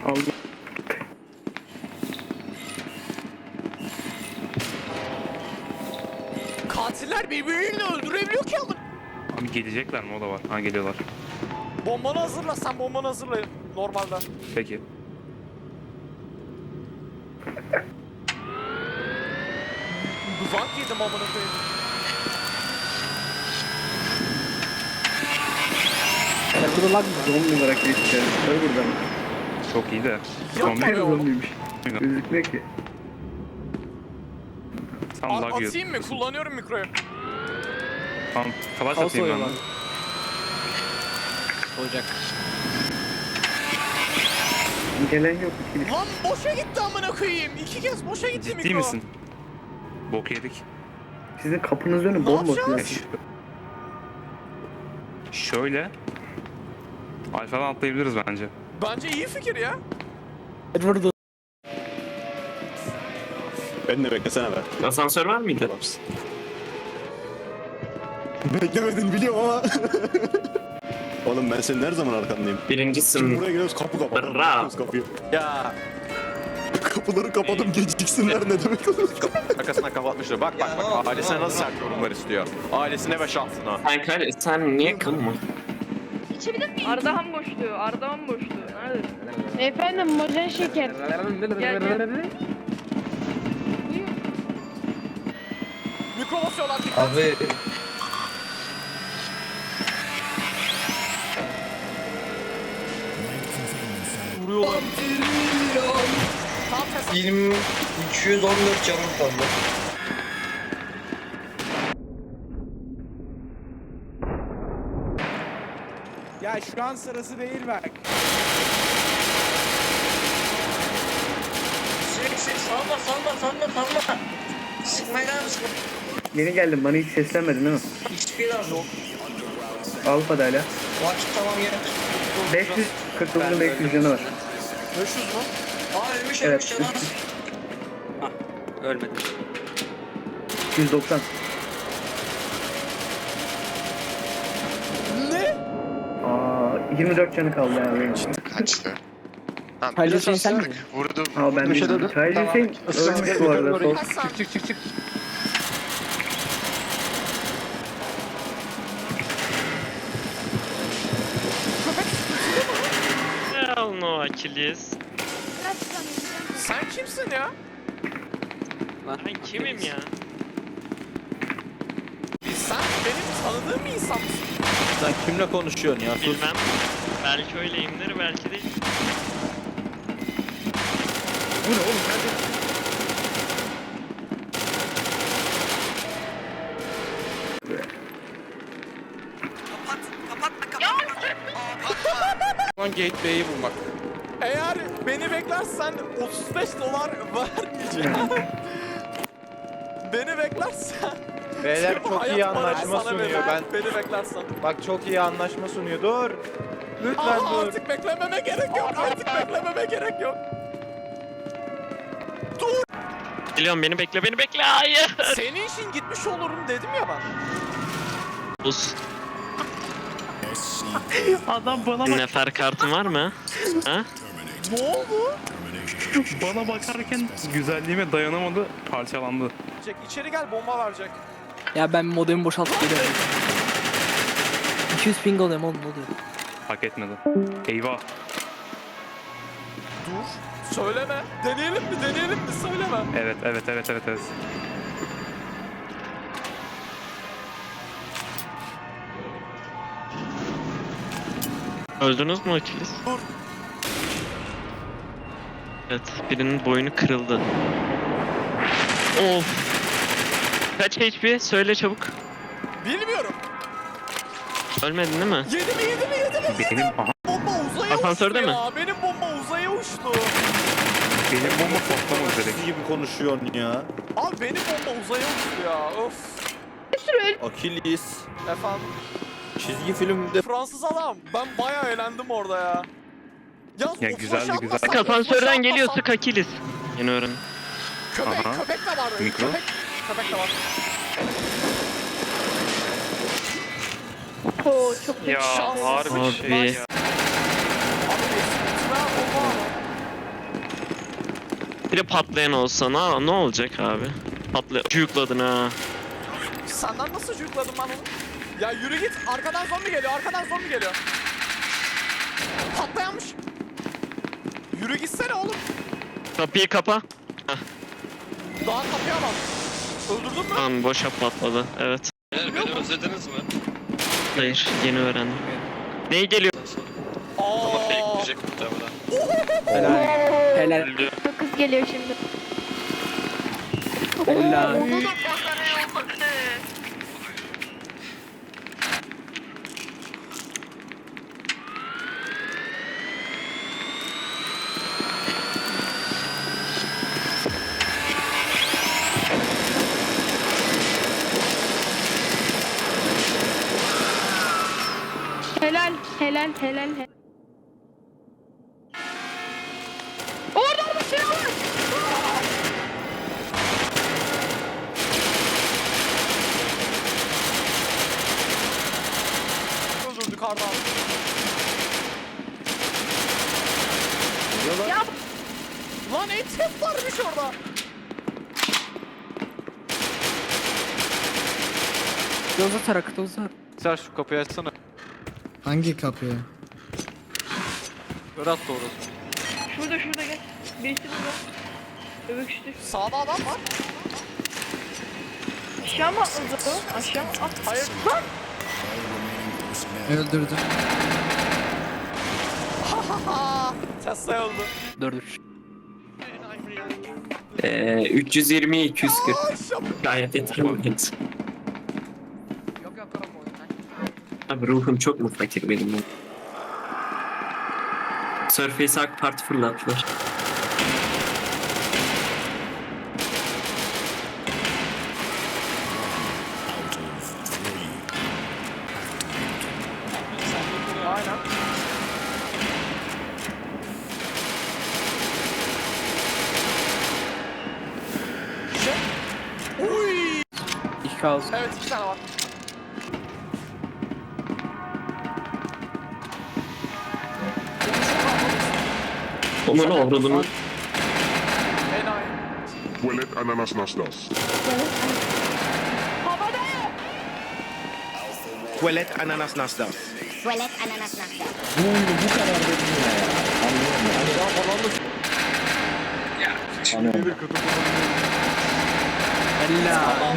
Allah. Katiller birbirini öldürebiliyor ki ama. Abi gelecekler mi, o da var. Ha, geliyorlar. Bombanı hazırla, sen bombanı hazırla normalde. Peki. Duzak yedim amına koyayım. Server'da lag mı? Zombi olarak geçeceğiz. Server'da mı? Çok iyi de. Yok Hayır abi oğlum. zombiymiş. Gözükmüyor ki. Tam lag yiyor. Atayım mı? Kullanıyorum mikroyu. Tam flash atayım ben. de. Olacak. Gelen yok. İkili. Lan boşa gitti amına koyayım. 2 kez boşa gitti mikro. Ciddi misin? Bok yedik. Sizin kapınız önü Ne bomboş. yapacağız? ya. Şöyle. Alfa'dan atlayabiliriz bence. Bence iyi fikir ya. Edward'ı. Ben de beklesene be. Asansör var mıydı? Beklemedin biliyorum ama. Oğlum ben senin her zaman arkandayım. Şimdi Birincisin. buraya geliyoruz kapı kapatalım. Bravo. Kapatıyoruz kapıyı. Ya. Kapıları kapadım geciksinler ne demek olur? Arkasına kapatmışlar. Bak bak bak. Ailesine nasıl sert yorumlar istiyor. Ailesine ve şahsına. Sen niye kalma? Ardahan boşluğu, Ardahan boşluğu. Nerede? Efendim mojen şeker. Gel gel. Mikro basıyorlar dikkat. Abi Vuruyorlar. Tam ses. 214 canım kaldı. Ya şu an sırası değil bak. Salma. Sıkmaya gelme sıkma. Yeni geldim. Bana hiç seslenmedin değil mi? Hiçbir lazım yok. Alfa'da hala. Vakit tamam yere. 549'un 500 canı var. 500 mü? Aa ölmüş Evet. canım. Ölmedi. 290. Ne? Aa, 24 canı kaldı ya benim. Kaçtı. Tamam, Halil biraz Hüseyin sen asıldık. Vurdu. Aa ben Bir şey değilim. dedi. Hayır Hüseyin ölmüş bu arada. Sol. Kaç saniye? Çık. Hell no Achilles. Sen kimsin ya? Ben kimim ya? Sen benim tanıdığım bir insan mısın? Sen kimle konuşuyorsun ya? Sus. Bilmem. Belki öyleyimdir, belki değil. Bu ne oğlum? Nerede? Lan Gateway'i bulmak. Eğer beni beklersen 35 dolar vermeyeceğim. Beni beklersen. Beyler Tüm çok hayat iyi paranı anlaşma sana sunuyor. veririm, Ben Beni beklersen. bak çok iyi anlaşma sunuyor. Dur. Lütfen Aa, dur. artık beklememe gerek yok. Artık beklememe gerek yok. Geliyorum, beni bekle, hayır. Senin için gitmiş olurum dedim ya ben. Buz. Adam bana bak. Nefer kartın var mı? Ha? Ne oldu? Bana bakarken güzelliğime dayanamadı, parçalandı. Jack içeri gel, bomba verecek. Ya ben modemi boşaltıp geliyorum. 200 ping alıyorum oğlum, ne oluyor? Hak etmedi. Eyvah. Dur. Söyleme. Deneyelim mi? Söyleme. Evet. Öldünüz mü Achilles? Dur. Evet, birinin boynu kırıldı. Of. Kaç HP? Söyle çabuk. Bilmiyorum. Ölmedin değil mi? Yedi mi? Benim, aha, Bomba uzaya Asansörde uçtu mi? ya. Benim bomba uzaya uçtu. benim bomba patlamadı direkt. Siz gibi konuşuyorsun ya. Abi benim bomba uzaya uçtu ya. Of. Achilles. Efendim. Çizgi filmde Fransız adam. Ben bayağı eğlendim orada ya. Yalnız Ya o güzeldi, flaşı güzel. atmasam, Sık asansörden o flaşı geliyor, atmasam- sık Achilles. Yeni öğren. Köpek Aha. de var. Mikro. Köpek de var. Oo çok Ya Şans. harbi Abi. şey ya. Abi eski bomba. Bir de patlayan olsa ne olacak abi? Yükladın ha. Senden nasıl yükledim ben onu? Ya yürü git. Arkadan zombi geliyor. Arkadan zombi geliyor. Patlayanmış. Yürü gitsene oğlum. Kapıyı kapa. Daha kapayamam. Öldürdün mü? Tamam boşa patladı. Evet. Beni özlediniz mi? Hayır yeni öğrendim. Ney geliyor? Aa. Bekleyecek muhtemelen. Helal. Helal. Kız geliyor şimdi. Helal. Helal, helal, helal. Orada bir şey var. Öldürdük Arda. Ya Lan etep varmış orada. Doza tarak, doza. Sen şu kapıyı açsana. Hangi kapıya? Berat doğru. şurada gel. Birisi burada. Öbürküştü. Sağda adam var. Aşağı mı atladı o? Aşağı mı at? Hayır. Lan. Öldürdüm. Tesla öldü. 4-3. 320 240. Aşağı. Gayet yeterli. Abi ruhum çok mu fakir benim? Surface AK Parti fırlattılar. Aynen. Uy. 2 kaldı. Evet 2 tane var. Onun avradını. Enayi. Tuvalet ananas naslas. Tuvalet ananas nasıl? Helal.